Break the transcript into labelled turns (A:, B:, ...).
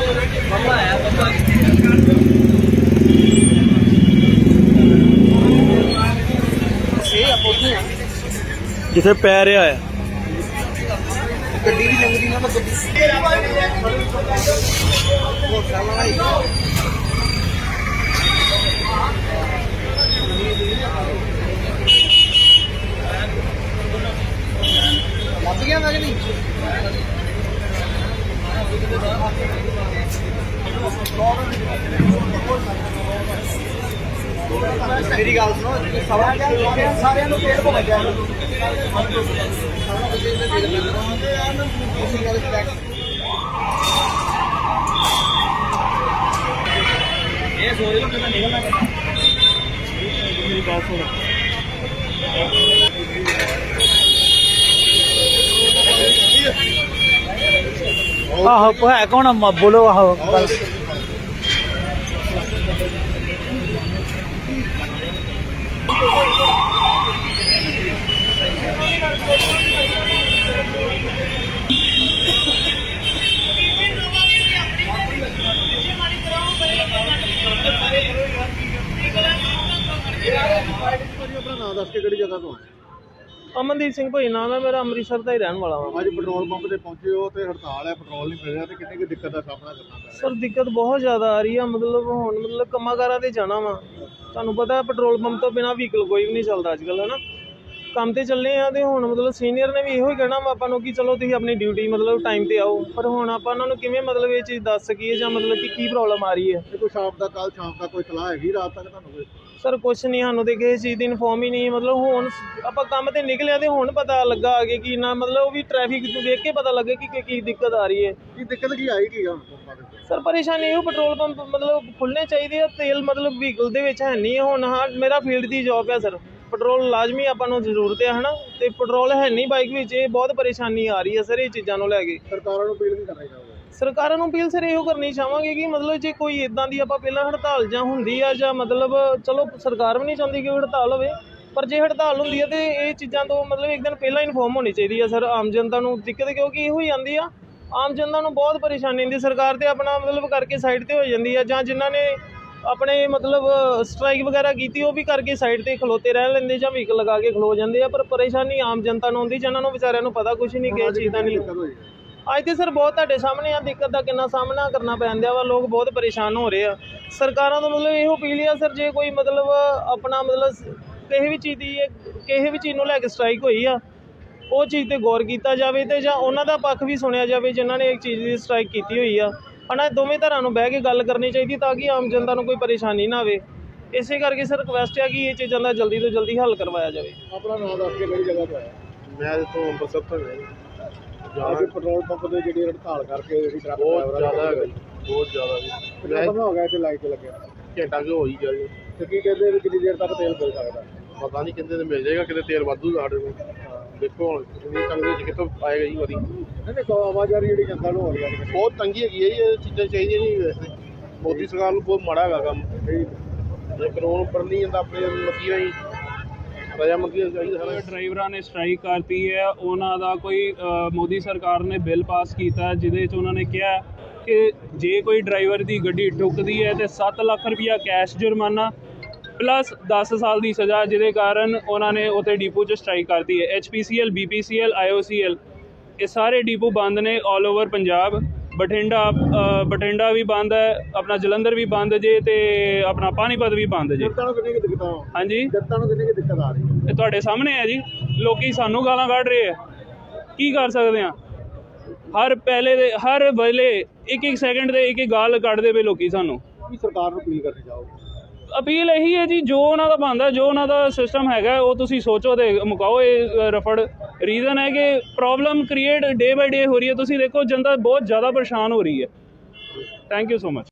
A: जिथे पै रहा है
B: ਗੱਡੀ ਦੀ ਲੰਗਦੀ ਨਾ ਲੱਗ ਗਿਆ ਮੈਂ ਕਿ ਨਹੀਂ ਮੇਰੀ ਗੱਲ ਸੁਣੋ ਸਾਰਿਆਂ ਨੂੰ ਪੇੜ ਭੁੱਲ ਗਿਆ ये सो रहे हो निकलना मेरी बात सुनो
A: आहो है कौन बोलो आहो
B: अपना नाम दस के किहड़ी जगह तो है
C: ਅਮਨਦੀਪ ਸਿੰਘ ਭਾਈ ਨਾਮ ਹੈ ਮੇਰਾ, ਅੰਮ੍ਰਿਤਸਰ ਦਾ ਹੀ ਰਹਿਣ ਵਾਲਾ ਹਾਂ।
B: ਅੱਜ ਪੈਟਰੋਲ ਪੰਪ ਤੇ ਪਹੁੰਚੇ ਹੋ ਤੇ ਹੜਤਾਲ ਹੈ, ਪੈਟਰੋਲ ਨਹੀਂ ਮਿਲ ਰਿਹਾ ਤੇ ਕਿੰਨੀ ਕੁ ਦਿੱਕਤ ਦਾ ਸਾਹਮਣਾ ਕਰਨਾ ਪੈ ਰਿਹਾ?
C: ਸਰ ਦਿੱਕਤ ਬਹੁਤ ਜ਼ਿਆਦਾ ਆ ਰਹੀ ਆ, ਮਤਲਬ ਹੁਣ ਕੰਮਾਂ-ਕਾਰਾਂ ਤੇ ਜਾਣਾ ਵਾ, ਤੁਹਾਨੂੰ ਪਤਾ ਪੈਟਰੋਲ ਪੰਪ ਤੋਂ ਬਿਨਾਂ ਵਹੀਕਲ ਕੋਈ ਵੀ ਨਹੀਂ ਚੱਲਦਾ ਅੱਜ ਕੱਲ੍ਹ, ਹੈ ਨਾ। ਕੰਮ ਤੇ ਚੱਲੇ ਆ ਤੇ ਹੁਣ ਮਤਲਬ ਸੀਨੀਅਰ ਨੇ ਵੀ ਇਹੋ ਹੀ ਕਹਿਣਾ ਵਾ ਆਪਾਂ ਨੂੰ ਕਿ ਚਲੋ ਤੁਸੀਂ ਆਪਣੀ ਡਿਊਟੀ ਮਤਲਬ ਟਾਈਮ ਤੇ ਆਓ, ਪਰ ਹੁਣ ਆਪਾਂ ਉਹਨਾਂ ਨੂੰ ਕਿਵੇਂ ਮਤਲਬ ਇਹ ਚੀਜ਼ ਦੱਸ ਸਕੀਏ ਜਾਂ ਮਤਲਬ ਕਿ ਕੀ ਪ੍ਰੋਬਲਮ ਆ ਰਹੀ ਹੈ।
B: ਕੋਈ ਸ਼ਾਮ ਦਾ ਕੱਲ ਸ਼ਾਮ ਦਾ ਕੋਈ ਸਲਾਹ ਹੈਗੀ ਰਾਤ ਤੱਕ ਤੁਹਾਨੂੰ ਕੋਈ?
C: ਸਰ ਕੁਛ ਨਹੀਂ, ਸਾਨੂੰ ਤੇ ਕਿਸੇ ਚੀਜ਼ ਦੀ ਇਨਫੋਰਮ ਹੀ ਨਹੀਂ, ਮਤਲਬ ਹੁਣ ਆਪਾਂ ਕੰਮ ਤੇ ਨਿਕਲਿਆ ਤੇ ਹੁਣ ਪਤਾ ਲੱਗਾ ਅੱਗੇ ਕਿ ਨਾ ਮਤਲਬ ਉਹ ਵੀ ਟ੍ਰੈਫਿਕ ਵੇਖ ਕੇ ਪਤਾ ਲੱਗੇ ਕਿ ਕੀ ਦਿੱਕਤ ਆ ਰਹੀ ਹੈ।
B: ਕੀ ਦਿੱਕਤ ਕੀ ਆਈ ਕੀ ਹੁਣ ਪੰਪਾਂ ਦੇ?
C: ਸਰ ਪਰੇਸ਼ਾਨੀ ਇਹੋ ਪੈਟਰੋਲ ਪੰਪ ਮਤਲਬ ਖੁੱਲ੍ਹਣੇ ਚਾਹੀਦੇ ਆ, ਤੇਲ ਮਤਲਬ ਵਹੀਕਲ ਦੇ ਵਿੱਚ ਹੈ ਨਹੀਂ ਹੁਣ। ਹਾਂ ਮੇਰਾ ਫੀਲਡ ਦੀ ਜੋਬ ਹੈ ਸਰ, ਪੈਟਰੋਲ ਲਾਜ਼ਮੀ ਆਪਾਂ ਨੂੰ ਜ਼ਰੂਰਤ ਹੈ ਨਾ, ਤੇ ਪੈਟਰੋਲ ਹੈ ਨਹੀਂ ਬਾਈਕ ਵਿੱਚ, ਇਹ ਬਹੁਤ ਪਰੇਸ਼ਾਨੀ ਆ ਰਹੀ ਹੈ ਸਰ ਇਹ ਚੀਜ਼ਾਂ ਨੂੰ ਲੈ ਕੇ।
B: ਸਰਕਾਰਾਂ ਨੂੰ ਅਪੀਲ ਨਹੀਂ ਕਰਨੀ ਚਾਹੁੰਦੇ?
C: ਸਰਕਾਰਾਂ ਨੂੰ ਅਪੀਲ ਸਰ ਇਹੋ ਕਰਨੀ ਚਾਹਾਂਗੇ ਕਿ ਮਤਲਬ ਜੇ ਕੋਈ ਇੱਦਾਂ ਦੀ ਆਪਾਂ ਪਹਿਲਾਂ ਹੜਤਾਲ ਜਾਂ ਹੁੰਦੀ ਆ ਜਾਂ ਮਤਲਬ ਚਲੋ ਸਰਕਾਰ ਵੀ ਨਹੀਂ ਚਾਹੁੰਦੀ ਕਿ ਹੜਤਾਲ ਹੋਵੇ, ਪਰ ਜੇ ਹੜਤਾਲ ਹੁੰਦੀ ਹੈ ਤੇ ਇਹ ਚੀਜ਼ਾਂ ਤੋਂ ਮਤਲਬ ਇੱਕ ਦਿਨ ਪਹਿਲਾਂ ਇਨਫੋਰਮ ਹੋਣੀ ਚਾਹੀਦੀ ਹੈ ਸਰ ਆਮ ਜਨਤਾ ਨੂੰ। ਦਿੱਕਤ ਕਿਉਂਕਿ ਇਹੋ ਹੀ ਆਉਂਦੀ ਆ, ਆਮ ਜਨਤਾ ਨੂੰ ਬਹੁਤ ਪਰੇਸ਼ਾਨੀ ਹੁੰਦੀ, ਸਰਕਾਰ ਤੇ ਆਪਣਾ ਮਤਲਬ ਕਰਕੇ ਸਾਈਡ ਤੇ ਹੋ ਜਾਂਦੀ ਆ, ਜਾਂ ਜਿਨ੍ਹਾਂ ਨੇ ਆਪਣੇ ਮਤਲਬ ਸਟ੍ਰਾਈਕ ਵਗੈਰਾ ਕੀਤੀ ਉਹ ਵੀ ਕਰਕੇ ਸਾਈਡ ਤੇ ਖਲੋਤੇ ਰਹਿ ਲੈਂਦੇ ਜਾਂ ਵਹੀਕਲ ਲਗਾ ਕੇ ਖਲੋ ਜਾਂਦੇ ਆ, ਪਰ ਪਰੇਸ਼ਾਨੀ ਆਮ ਜਨਤਾ ਨੂੰ ਹੁੰਦੀ ਜਿਹਨਾਂ ਨੂੰ ਵਿਚਾਰਿਆਂ ਨੂੰ ਪਤਾ ਕੁਛ ਨਹੀਂ ਕਿਸੇ ਚੀਜ਼ ਦਾ ਨਹੀਂ। ਅੱਜ ਤੇ ਸਰ ਬਹੁਤ ਤੁਹਾਡੇ ਸਾਹਮਣੇ ਆ ਦਿੱਕਤ ਦਾ ਕਿੰਨਾ ਸਾਹਮਣਾ ਕਰਨਾ ਪੈਂਦਾ ਵਾ, ਲੋਕ ਬਹੁਤ ਪਰੇਸ਼ਾਨ ਹੋ ਰਹੇ ਆ। ਸਰਕਾਰਾਂ ਤੋਂ ਮਤਲਬ ਇਹੋ ਅਪੀਲ ਆ ਸਰ, ਜੇ ਕੋਈ ਮਤਲਬ ਆਪਣਾ ਮਤਲਬ ਕਿਸੇ ਵੀ ਚੀਜ਼ ਨੂੰ ਲੈ ਕੇ ਸਟ੍ਰਾਈਕ ਹੋਈ ਆ ਉਹ ਚੀਜ਼ ਤੇ ਗੌਰ ਕੀਤਾ ਜਾਵੇ ਤੇ ਜਾਂ ਉਹਨਾਂ ਦਾ ਪੱਖ ਵੀ ਸੁਣਿਆ ਜਾਵੇ ਜਿਨ੍ਹਾਂ ਨੇ ਇੱਕ ਚੀਜ਼ ਦੀ ਸਟ੍ਰਾਈਕ ਕੀਤੀ ਹੋਈ ਆ, ਹਨਾ। ਦੋਵੇਂ ਧਿਰਾਂ ਨੂੰ ਬਹਿ ਕੇ ਗੱਲ ਕਰਨੀ ਚਾਹੀਦੀ ਤਾਂ ਕਿ ਆਮ ਜਨਤਾ ਨੂੰ ਕੋਈ ਪਰੇਸ਼ਾਨੀ ਨਾ ਆਵੇ। ਇਸੇ ਕਰਕੇ ਸਰ ਰਿਕੁਐਸਟ ਹੈ ਕਿ ਇਹ ਚੀਜ਼ਾਂ ਦਾ ਜਲਦੀ ਤੋਂ ਜਲਦੀ ਹੱਲ ਕਰਵਾਇਆ ਜਾਵੇ।
B: ਆਪਣਾ ਨਾਮ ਦੱਸ ਕੇ ਕਿਹੜੀ ਜਗ੍ਹਾ ਤੋਂ ਆਇਆ? ਮੈਂ ਇੱਥੋਂ ਅੰਮ੍ਰਿਤਸਰ ਤੋਂ ਅੱਜ ਪੈਟਰੋਲ ਪੰਪ ਦੇ ਜਿਹੜੀ ਹੜਤਾਲ ਕਰਕੇ ਜਿਹੜੀ ਟਰੱਕ
D: ਬਹੁਤ ਜ਼ਿਆਦਾ ਹੈਗਾ ਜੀ, ਬਹੁਤ ਜ਼ਿਆਦਾ ਜੀ।
B: ਕਿੰਨਾ ਸਮਾਂ ਹੋ ਗਿਆ ਇੱਥੇ ਲਾਈਟ ਤੇ ਲੱਗਿਆ?
D: ਘੰਟਾ ਕੁ ਹੋ ਹੀ ਗਿਆ ਜੀ।
B: ਤੇ ਕੀ ਕਹਿੰਦੇ ਵੀ ਕਿੰਨੀ ਦੇਰ ਤੱਕ ਤੇਲ ਮਿਲ ਸਕਦਾ?
D: ਪਤਾ ਨਹੀਂ ਕਿੰਨੇ ਤੇ ਮਿਲ ਜਾਏਗਾ, ਕਿਤੇ ਤੇਲ ਵਾਧੂ ਸਾਡੇ ਕੋਲ। ਦੇਖੋ ਹੁਣ ਇੰਨੀ ਤੰਗੀ ਵਿੱਚ ਕਿੱਥੋਂ ਆਏਗਾ ਜੀ ਵਾਰੀ।
B: ਨਹੀਂ ਆਵਾਜ਼ਾਰੀ ਜਿਹੜੀ ਜਨਤਾ ਨੂੰ ਹੋ ਰਹੀ ਹੈ
D: ਬਹੁਤ ਤੰਗੀ ਹੈਗੀ ਹੈ ਜੀ, ਇਹ ਚੀਜ਼ਾਂ ਚਾਹੀਦੀਆਂ ਨਹੀਂ ਵੈਸੇ। ਮੋਦੀ ਸਰਕਾਰ ਨੂੰ ਬਹੁਤ ਮਾੜਾ ਹੈਗਾ ਕੰਮ, ਜੇ ਕਾਨੂੰਨ ਉੱਪਰ ਨਹੀਂ ਜਾਂਦਾ ਆਪਣੇ ਮਰਜ਼ੀ ਨਾਲ ਹੀ ਰਜਾਮੰਦੀ ਚਾਹੀਦਾ ਸਾਰਾ।
E: ਡਰਾਈਵਰਾਂ ਨੇ ਸਟ੍ਰਾਈਕ ਕਰਤੀ ਹੈ, ਉਹਨਾਂ ਦਾ ਕੋਈ ਮੋਦੀ ਸਰਕਾਰ ਨੇ ਬਿੱਲ ਪਾਸ ਕੀਤਾ ਜਿਹਦੇ 'ਚ ਉਹਨਾਂ ਨੇ ਕਿਹਾ ਕਿ ਜੇ ਕੋਈ ਡਰਾਈਵਰ ਦੀ ਗੱਡੀ ਠੁੱਕਦੀ ਹੈ ਤੇ 7 ਲੱਖ ਰੁਪਈਆ ਕੈਸ਼ ਜੁਰਮਾਨਾ ਪਲੱਸ 10 ਸਾਲ ਦੀ ਸਜ਼ਾ, ਜਿਹਦੇ ਕਾਰਨ ਉਹਨਾਂ ਨੇ ਉੱਥੇ ਡੀਪੂ 'ਚ ਸਟ੍ਰਾਈਕ ਕਰਤੀ ਹੈ। HPCL, BPCL, IOCL ਇਹ ਸਾਰੇ ਡੀਪੂ ਬੰਦ ਨੇ ਆਲ ਓਵਰ ਪੰਜਾਬ। ਬਠਿੰਡਾ ਵੀ ਬੰਦ ਹੈ, ਆਪਣਾ ਜਲੰਧਰ ਵੀ ਬੰਦ ਜੇ, ਤੇ ਆਪਣਾ ਪਾਣੀਪਤ ਵੀ ਬੰਦ ਜੇ।
B: ਜਨਤਾ ਨੂੰ ਕਿੰਨੀ ਕੁ ਦਿੱਕਤ ਆ?
E: ਹਾਂਜੀ
B: ਜਨਤਾ ਨੂੰ ਕਿੰਨੀ ਕੁ ਦਿੱਕਤ ਆ ਰਹੀ ਹੈ?
E: ਇਹ ਤੁਹਾਡੇ ਸਾਹਮਣੇ ਹੈ ਜੀ, ਲੋਕੀ ਸਾਨੂੰ ਗਾਲਾਂ ਕੱਢ ਰਹੇ ਆ, ਕੀ ਕਰ ਸਕਦੇ ਆ। ਹਰ ਵੇਲੇ ਇੱਕ ਸੈਕਿੰਡ ਦੇ ਇੱਕ ਗਾਲ ਕੱਢਦੇ ਪਏ ਲੋਕੀ ਸਾਨੂੰ।
B: ਕੀ ਸਰਕਾਰ ਨੂੰ ਅਪੀਲ ਕਰਨੀ ਚਾਹੋਗੇ?
E: ਅਪੀਲ ਇਹੀ ਹੈ ਜੀ, ਜੋ ਉਹਨਾਂ ਦਾ ਬਣਦਾ, ਜੋ ਉਹਨਾਂ ਦਾ ਸਿਸਟਮ ਹੈਗਾ ਉਹ ਤੁਸੀਂ ਸੋਚੋ ਤੇ ਮੁਕਾਓ ਇਹ ਰਫੜ। ਰੀਜ਼ਨ ਹੈ ਕਿ ਪ੍ਰੋਬਲਮ ਕ੍ਰੀਏਟ ਡੇ ਬਾਈ ਡੇ ਹੋ ਰਹੀ ਹੈ, ਤੁਸੀਂ ਦੇਖੋ ਜਨਤਾ ਬਹੁਤ ਜ਼ਿਆਦਾ ਪਰੇਸ਼ਾਨ ਹੋ ਰਹੀ ਹੈ। Thank you so much.